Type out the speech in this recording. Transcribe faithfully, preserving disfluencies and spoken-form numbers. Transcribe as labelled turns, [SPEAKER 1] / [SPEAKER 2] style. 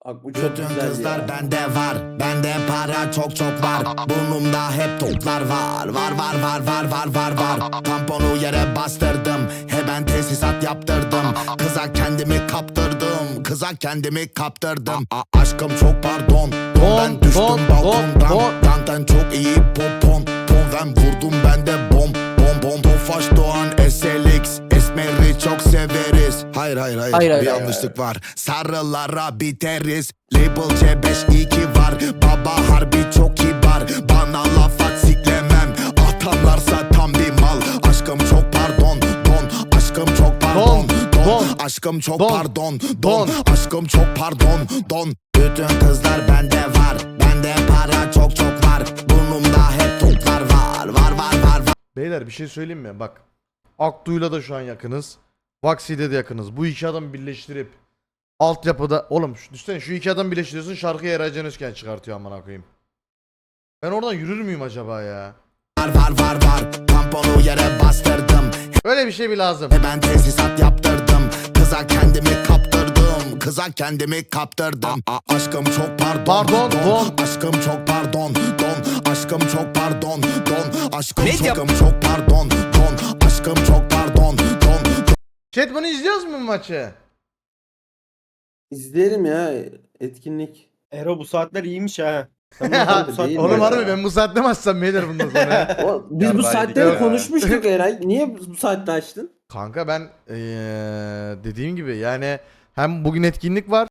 [SPEAKER 1] Bak bu çok
[SPEAKER 2] Bütün
[SPEAKER 1] güzel
[SPEAKER 2] kızlar
[SPEAKER 1] ya.
[SPEAKER 2] bende var. Bende para çok çok var. Burnumda hep toplar var. Var var var var var var var. Tamponu yere bastırdım. He ben tesisat yaptırdım. Kıza kendimi kaptırdım. Kıza kendimi kaptırdım. A aşkım çok pardon. Don, ben düştüm
[SPEAKER 3] don,
[SPEAKER 2] balkondan.
[SPEAKER 3] don.
[SPEAKER 2] Danten çok iyi popon. Ton ben vurdum ben de bom. Bom bom. Tofaş Doğan S L X. Esmeri çok severiz. Hayır hayır hayır.
[SPEAKER 3] Hayır,
[SPEAKER 2] Bir
[SPEAKER 3] hayır,
[SPEAKER 2] yanlışlık var. Sarılara biteriz. Label C beş iki var. Baba harbi çok kibar. Bana laf at siklemem. Atanlarsa tam bir mal. Aşkım çok pardon. Don. Aşkım çok pardon. Don.
[SPEAKER 3] Don.
[SPEAKER 2] Aşkım çok
[SPEAKER 3] Don.
[SPEAKER 2] pardon. Don.
[SPEAKER 3] Don.
[SPEAKER 2] Aşkım çok pardon. Don. Bütün kızlar bende var. Bende para çok çok var. Burnumda hep toplar var. Var var var var.
[SPEAKER 3] Beyler bir şey söyleyeyim mi? Bak. Aktu'yla da şu an yakınız. Vaxi'de de yakınız. Bu iki adamı birleştirip altyapıda oğlum şu, düşünsene şu iki adam birleştiriyorsun, şarkıyı Eray Can Özken çıkartıyor amına koyayım. Ben oradan yürür müyüm acaba ya?
[SPEAKER 2] Var var var var. Tamponu yere bastırdım.
[SPEAKER 3] Öyle bir şey bir lazım.
[SPEAKER 2] Ben tesisat yaptırdım. Kıza kendimi kaptırdım. Kıza kendimi kaptırdım. A aşkım çok pardon.
[SPEAKER 3] Pardon, don.
[SPEAKER 2] Aşkım çok pardon. Don. Aşkım çok pardon. Don. Aşkım
[SPEAKER 4] Medya-
[SPEAKER 2] çok çok pardon. Don. Aşkım çok pardon. Don.
[SPEAKER 3] Chat bunu izliyoruz mu bu maçı?
[SPEAKER 1] İzleyelim ya etkinlik.
[SPEAKER 5] Ero bu saatler iyiymiş ha. Sen bu saat-
[SPEAKER 1] Değil
[SPEAKER 3] Oğlum
[SPEAKER 1] mi
[SPEAKER 3] harbi
[SPEAKER 1] ya?
[SPEAKER 3] ben bu saatte mi açsam beyler bundan sonra?
[SPEAKER 1] O, biz
[SPEAKER 5] Ya
[SPEAKER 1] bu
[SPEAKER 5] bari
[SPEAKER 1] saatleri
[SPEAKER 5] ya.
[SPEAKER 1] konuşmuştuk Eray. Niye bu saatte açtın?
[SPEAKER 3] Kanka ben ee, dediğim gibi yani hem bugün etkinlik var.